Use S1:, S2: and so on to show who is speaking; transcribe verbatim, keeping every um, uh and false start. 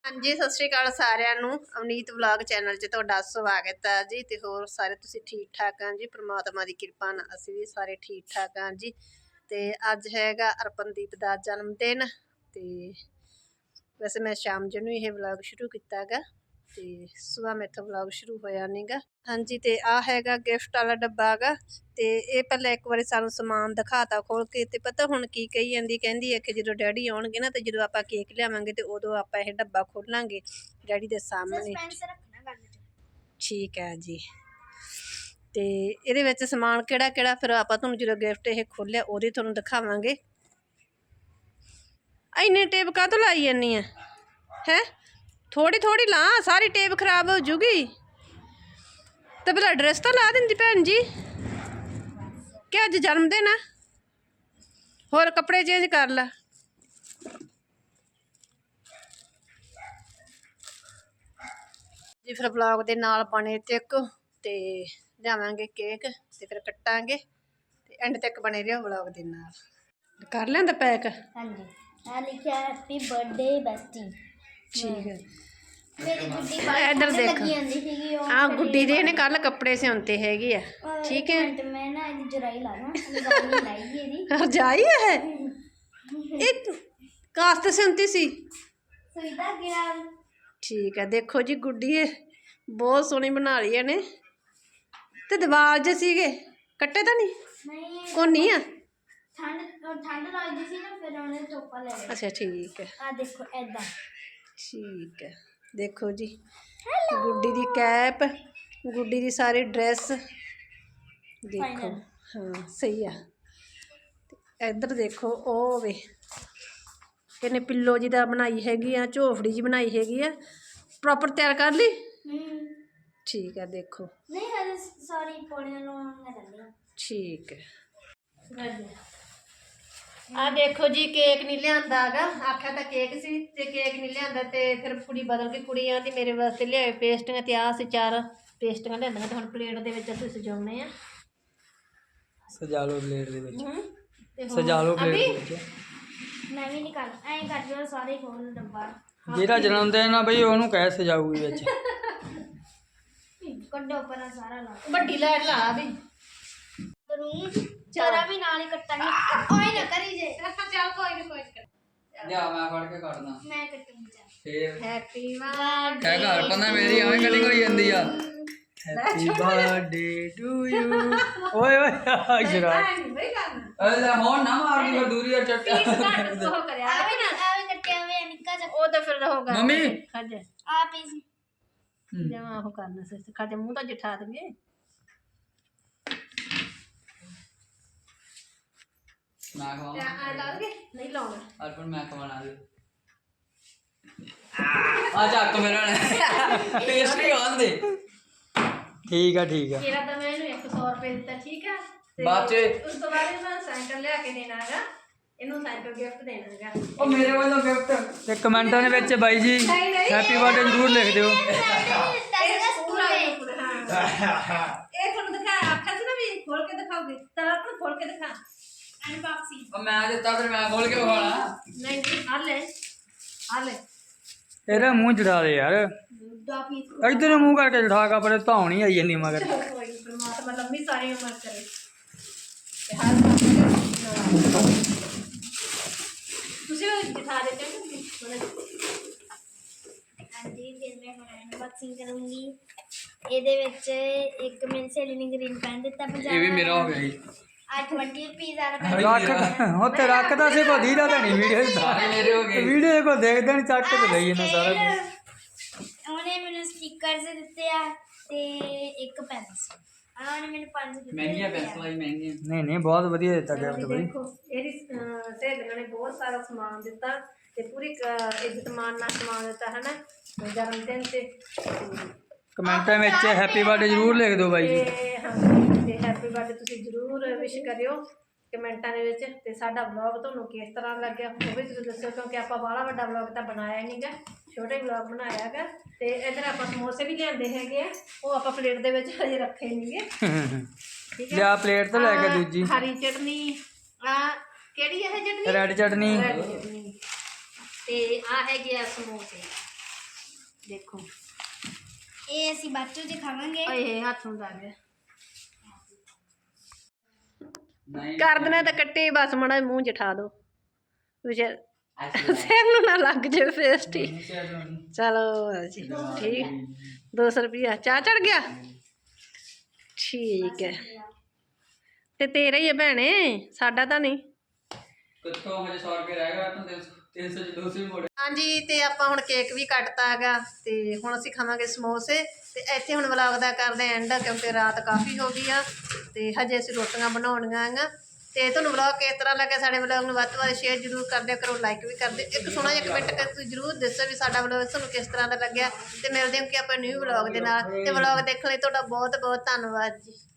S1: हाँ जी, सत श्री अकाल सारिਆਂ ਨੂੰ ਅਵਨੀਤ ਵਲੌਗ ਚੈਨਲ 'ਚ ਤੁਹਾਡਾ ਸਵਾਗਤ ਹੈ ਜੀ। ਤੇ ਹੋਰ ਸਾਰੇ ਤੁਸੀਂ ਠੀਕ ਠਾਕ ਆ ਜੀ? ਪ੍ਰਮਾਤਮਾ ਦੀ ਕਿਰਪਾ ਨਾਲ ਅਸੀਂ ਵੀ ਸਾਰੇ ਠੀਕ ਠਾਕ ਆ ਜੀ। ਤੇ ਅੱਜ ਹੈਗਾ ਅਰਪਨਦੀਪ ਦਾ ਜਨਮ ਦਿਨ। ਤੇ ਵੈਸੇ ਮੈਂ ਸ਼ਾਮ ਜੀ ਨੂੰ ਇਹ ਵਲੌਗ ਸ਼ੁਰੂ ਕੀਤਾ ਹੈਗਾ ਤੇ ਸਵੇਰ ਮੇਥੋਂ ਵਲੌਗ शुरू होया नहीं गा। हाँ जी, ਤੇ ਆ ਹੈਗਾ ਗਿਫਟ ਵਾਲਾ ਡੱਬਾ ਹੈਗਾ। ਤੇ ਇਹ ਪਹਿਲਾਂ ਇੱਕ ਵਾਰੀ ਸਾਨੂੰ ਸਮਾਨ ਦਿਖਾਤਾ ਖੋਲ ਕੇ ਤੇ ਪਤਾ ਹੁਣ ਕੀ ਕਹੀ ਜਾਂਦੀ, ਕਹਿੰਦੀ ਹੈ ਕਿ ਜਦੋਂ ਡੈਡੀ ਆਉਣਗੇ ਨਾ ਤੇ ਜਦੋਂ ਆਪਾਂ ਕੇਕ ਲਿਆਵਾਂਗੇ ਤੇ ਉਦੋਂ ਆਪਾਂ ਇਹ ਡੱਬਾ ਖੋਲਾਂਗੇ ਡੈਡੀ ਦੇ ਸਾਹਮਣੇ। ਠੀਕ ਹੈ ਜੀ। ਤੇ ਇਹਦੇ ਵਿੱਚ ਸਮਾਨ ਕਿਹੜਾ ਕਿਹੜਾ ਫਿਰ ਆਪਾਂ ਤੁਹਾਨੂੰ ਜਦੋਂ ਗਿਫਟ ਇਹ ਖੋਲਿਆ ਉਹਦੇ ਤੁਹਾਨੂੰ ਦਿਖਾਵਾਂਗੇ। ਇੰਨੇ ਟੇਪ ਕਾਹਤੋਂ ਲਾਈ ਜਾਂਦੀ ਆ ਹੈ? थोड़ी थोड़ी ला, सारी टेप खराब हो जूगी। तो भला ड्रेस तो ला देंदी भैन जी, क्या अज जन्मदिन है? होर कपड़े चेंज कर ला। जी फिर ब्लॉग दे नाल बने तक ते लियावांगे केक ते फिर कट्टांगे ते एंड तक बने रहो ब्लॉग दे नाल। कर लेंदा पैक?
S2: हां जी, आ लिखा हैप्पी बर्थडे बेस्टी।
S1: ठीक है।
S2: इधर देख,
S1: हाँ गुड्डी दे ने कल कपड़े सिਉਂਤੇ ਹੈਗੇ ਆ। ठीक है,
S2: मैं ना ਇਹਦੀ ਜਰਾਈ ਲਾ ਦਾਂ, ਜਰਾਈ ਲਾਈ ਇਹਦੀ
S1: ਰਜਾਈ ਹੈ ਇਹ ਕਾਸਤ ਸਿਉਂਤੀ ਸੀ
S2: ਸੁਈਦਾ ਗਿਰਾ।
S1: ठीक है, देखो जी गुड्डी बहुत सोहनी बना ਲਈ ਇਹਨੇ। ਤੇ ਦਿਵਾਰ ਜੇ ਸੀਗੇ ਕੱਟੇ ਤਾਂ ਨਹੀਂ?
S2: ਨਹੀਂ
S1: ਕੋਨੀ ਆ,
S2: ਠੰਡ ਠੰਡ ਲੱਗਦੀ ਸੀ ਨਾ ਫਿਰ ਉਹਨੇ ਚੋਪਾ ਲੈ ਲਿਆ।
S1: ਅੱਛਾ ठीक है,
S2: ਆ ਦੇਖੋ ਐਦਾਂ।
S1: ठीक है, देखो जी गुड्डी दी कैप, गुड्डी दी सारी ड्रेस देखो। हाँ सही है। इधर देखो ओ वे किन्ने पिल्लो जी दा बनाई हैगी आ, झोफड़ी जी बनाई हैगी आ। प्रॉपर तैयार कर ली? ठीक है, देखो
S2: नहीं हर सारी पौड़ियां लगा करनी।
S1: ठीक है। आ देखो जी केक नहीं लिया है, आख्या तो केक सी ते केक नहीं लिया ते फिर कुड़ी बदल के कुड़ी आती मेरे वास्ते लिया पेस्टियां ते आ सी चार पेस्टियां लिया ते हुण प्लेट दे विच असीं सजाउने आ।
S3: सजा लो प्लेट दे विच, सजा लो प्लेट दे विच।
S2: मैं भी नहीं कर ऐ कर जो सारे खोल डब्बा।
S3: जेड़ा जन्मदिन ना बई ओनू कह सजाऊगी विच।
S2: कड्डो पर सारा ला
S1: बड़ी लाइट ला भी
S2: करूंगी चरा भी नाल ही कट्टांगे। ओए ना करी जे
S1: चल कोई नहीं कोई नहीं
S3: जा मैं फड़ के काटना
S2: मैं कटूंगी जा।
S3: फिर
S1: हैप्पी बर्थडे
S3: कह घर पंदा मेरी एवें कटिंग होई जंदी आ। Happy birthday to you. ओए ओए जरा
S1: भाई करना
S3: अरे होन ना मार दी और दूरी और चट्टा
S1: घट तो करया
S2: आवे ना आवे कट्टे आवे निक्का जा
S1: ओ तो फिर होगा
S3: मम्मी
S1: खज
S2: आ पीस
S1: जमा हो करना से खज मुंह तो जिठा देंगे।
S3: मैं खाऊं
S1: आ लाओगे नहीं लाऊंगा
S3: अर्पण मैं खवाना दे आ ਚੱਕ ਮੇਰਾ टेस्ट ही आन दे। ठीक है ठीक है
S1: तेरा तो मैं इन्हें एक सौ रुपये दिता। ठीक है,
S3: बाद च
S1: उस तो बाद मैं साइकिल लिया के देना है, इन्हों साइकिल गिफ्ट देना है।
S3: ओ मेरे वालों गिफ्ट ते कमेंटां दे विच बाई जी हैप्पी बर्थडे जरूर लिख दियो।
S1: ਇਹ ਤੁਹਾਨੂੰ ਦਿਖਾ ਆਖਿਆ ਸੀ ਨਾ ਵੀ ਖੋਲ ਕੇ ਦਿਖਾਓਗੇ ਤਾਂ ਆਪਾਂ ਖੋਲ ਕੇ ਦਿਖਾ ਅਨਬਾਕਸਿੰਗ।
S3: ओ मैं ਦਿੱਤਾ ਫਿਰ ਮੈਂ ਖੋਲ ਕੇ ਵਿਖਾਣਾ।
S1: ਨਹੀਂ ਨਹੀਂ ਆ ਲੈ ਆ ਲੈ
S3: ਇਹਦਾ ਮੂੰਹ ਜੜਾ ਦੇ ਯਾਰ,
S1: ਦਾ ਪੀਸ
S3: ਇਧਰ ਮੂੰਹ ਕਰਕੇ ਜੜਾ ਕੇ ਪਰ ਧੌਣੀ ਆਈ ਜਾਂਦੀ ਮਗਰ।
S1: ਕੋਈ ਪਰਮਾਤਮਾ ਲੰਮੀ ਸਾਰੀ ਉਮਰ ਕਰੇ ਤੇ ਹਰ ਕੰਮ ਤੁਸੀਂ ਵੀ ਦਿਖਾ ਦੇ ਚੰਗੇ।
S2: ਹਾਂਜੀ ਫਿਰ ਮੈਂ ਹੁਣ ਅਨਬਾਕਸਿੰਗ ਕਰੂੰਗੀ। ਇਹਦੇ ਵਿੱਚ ਇੱਕ ਮੇਰੀ ਸਹੇਲੀ ਨੇ ਗ੍ਰੀਨ ਪੈਨ ਦਿੱਤਾ ਪੰਜਾਹ।
S3: ਇਹ ਵੀ ਮੇਰਾ ਹੋ ਗਿਆ ਜੀ।
S2: ਆ ਵੀਹ ਰੁਪਏ ਵਾਲਾ
S3: ਰੱਖ ਉੱਥੇ ਰੱਖਦਾ ਸੀ ਕੋ ਦੀਦਾ ਤਾਂ ਨਹੀਂ ਵੀਡੀਓ ਸਾਰੇ ਮੇਰੇ ਹੋ ਗਏ। ਵੀਡੀਓ ਕੋ ਦੇਖਦੇ ਨਹੀਂ ਚੱਕ ਕੇ ਲਈ ਇਹਨਾਂ ਸਾਰਾ ਕੁਝ।
S2: ਉਹਨੇ ਮੈਨੂੰ ਸਟickers ਦਿੱਤੇ ਆ ਤੇ ਇੱਕ ਪੈਨਸਲ। ਆ ਉਹਨੇ ਮੈਨੂੰ ਪੰਜ ਦਿੱਤੇ।
S3: ਮਹਿੰਗੀਆਂ ਪੈਨਸਲਾਂ ਹੀ ਮਹਿੰਗੀਆਂ। ਨਹੀਂ ਨਹੀਂ ਬਹੁਤ ਵਧੀਆ ਦਿੱਤਾ ਗਿਫਟ ਬਈ।
S1: ਦੇਖੋ ਇਹਦੀ ਸਹੇਲੀਆਂ ਨੇ ਬਹੁਤ ਸਾਰਾ ਸਮਾਨ ਦਿੱਤਾ ਤੇ ਪੂਰੀ ਇੱਜ਼ਤ ਮਾਨ ਨਾਲ ਸਮਾਨ ਦਿੱਤਾ ਹੈ ਨਾ ਜਨਮ ਦਿਨ ਤੇ।
S3: ਕਮੈਂਟਾਂ ਵਿੱਚ ਹੈਪੀ ਬਰਥਡੇ ਜ਼ਰੂਰ ਲਿਖ ਦਿਓ ਬਾਈ ਜੀ।
S1: ਤੇ ਹਾਂ ਤੇ ਹੈਪੀ ਬਰਥਡੇ ਤੁਸੀਂ ਜ਼ਰੂਰ ਵਿਸ਼ ਕਰਿਓ ਕਮੈਂਟਾਂ ਦੇ ਵਿੱਚ। ਤੇ ਸਾਡਾ ਵਲੌਗ ਤੁਹਾਨੂੰ ਕਿਸ ਤਰ੍ਹਾਂ ਲੱਗਿਆ ਉਹ ਵੀ ਤੁਸੀਂ ਦੱਸਿਓ, ਕਿਉਂਕਿ ਆਪਾਂ ਬਾਹਲਾ ਵੱਡਾ ਵਲੌਗ ਤਾਂ ਬਣਾਇਆ ਨਹੀਂ ਗਾ, ਛੋਟਾ ਵਲੌਗ ਬਣਾਇਆ ਹੈਗਾ। ਤੇ ਇੱਧਰ ਆਪਾਂ ਸਮੋਸੇ ਵੀ ਲਿਆਂਦੇ ਹੈਗੇ ਆ, ਉਹ ਆਪਾਂ ਪਲੇਟ ਦੇ ਵਿੱਚ ਹਜੇ ਰੱਖੇ ਨਹੀਂਗੇ। ਠੀਕ ਹੈ,
S3: ਲਿਆ ਪਲੇਟ ਤੋਂ ਲੈ ਕੇ ਦੂਜੀ
S1: ਹਰੀ ਚਟਨੀ ਆ ਕਿਹੜੀ ਹੈ ਚਟਨੀ?
S3: ਰੈਡ ਚਟਨੀ।
S1: ਤੇ ਆ ਹੈਗੇ ਆ ਸਮੋਸੇ। ਦੇਖੋ
S2: ਇਹ ਅਸੀਂ ਬਾਅਦ ਚੋਂ ਜੇ ਖਾਵਾਂਗੇ।
S1: ਓਏ ਹੱਥ ਨੂੰ ਲੱਗ ਗਿਆ ਕਰ ਦੇਣਾ ਤਾਂ ਕੱਟੇ ਬਸ ਮਾੜਾ ਮੂੰਹ ਜਠਾ ਦੋ ਵਿਚਾਰ ਸਿਰ ਨੂੰ ਨਾ ਲੱਗ ਜੇ ਫੇਸਟੀ। ਚਲੋ ਜੀ ਠੀਕ ਦੋ ਸੌ ਰੁਪਇਆ ਚਾਹ ਚੜ ਗਿਆ ਠੀਕ ਹੈ ਤੇ ਤੇਰਾ ਹੀ ਹੈ ਭੈਣੇ ਸਾਡਾ ਤਾਂ ਨਹੀਂ।
S3: ਕਿੱਥੋਂ ਹਜੇ ਸੌ ਰੁਪਏ ਰਹਿ ਗਿਆ ਤਾਂ ਤਿੰਨ ਸੌ ਚ ਦੋ ਸੌ ਮੋੜ।
S1: ਹਾਂਜੀ ਤੇ ਆਪਾਂ ਹੁਣ ਕੇਕ ਵੀ ਕੱਟਤਾ ਹੈਗਾ ਤੇ ਹੁਣ ਅਸੀਂ ਖਾਵਾਂਗੇ ਸਮੋਸੇ ਤੇ ਇੱਥੇ ਹੁਣ ਵਲੌਗ ਦਾ ਕਰਦੇ ਐਂਡ ਕਿਉਂਕਿ ਰਾਤ ਕਾਫੀ ਹੋ ਗਈ ਆ ਤੇ ਹਜੇ ਅਸੀਂ ਰੋਟੀਆਂ ਬਣਾਉਣੀਆਂ ਹੈਗਾ। ਤੇ ਤੁਹਾਨੂੰ ਵਲੌਗ ਕਿਸ ਤਰ੍ਹਾਂ ਲੱਗਾ ਸਾਡੇ ਵਲੌਗ ਨੂੰ ਵੱਧ ਤੋਂ ਵੱਧ ਸ਼ੇਅਰ ਜ਼ਰੂਰ ਕਰ ਦਿਆ ਕਰੋ ਲਾਈਕ ਵੀ ਕਰ ਦਿਓ ਇੱਕ ਸੋਹਣਾ ਜਿਹਾ ਕਮੈਂਟ ਕਰਕੇ ਤੁਸੀਂ ਜ਼ਰੂਰ ਦੱਸੋ ਵੀ ਸਾਡਾ ਵਲੌਗ ਤੁਹਾਨੂੰ ਕਿਸ ਤਰ੍ਹਾਂ ਦਾ ਲੱਗਿਆ ਤੇ ਮਿਲਦੇ ਹਾਂ ਕਿ ਆਪਾਂ ਨਿਊ ਵਲੌਗ ਦੇ ਨਾਲ ਤੇ ਵਲੌਗ ਦੇਖਣ ਲਈ ਤੁਹਾਡਾ ਬਹੁਤ ਬਹੁਤ ਧੰਨਵਾਦ ਜੀ।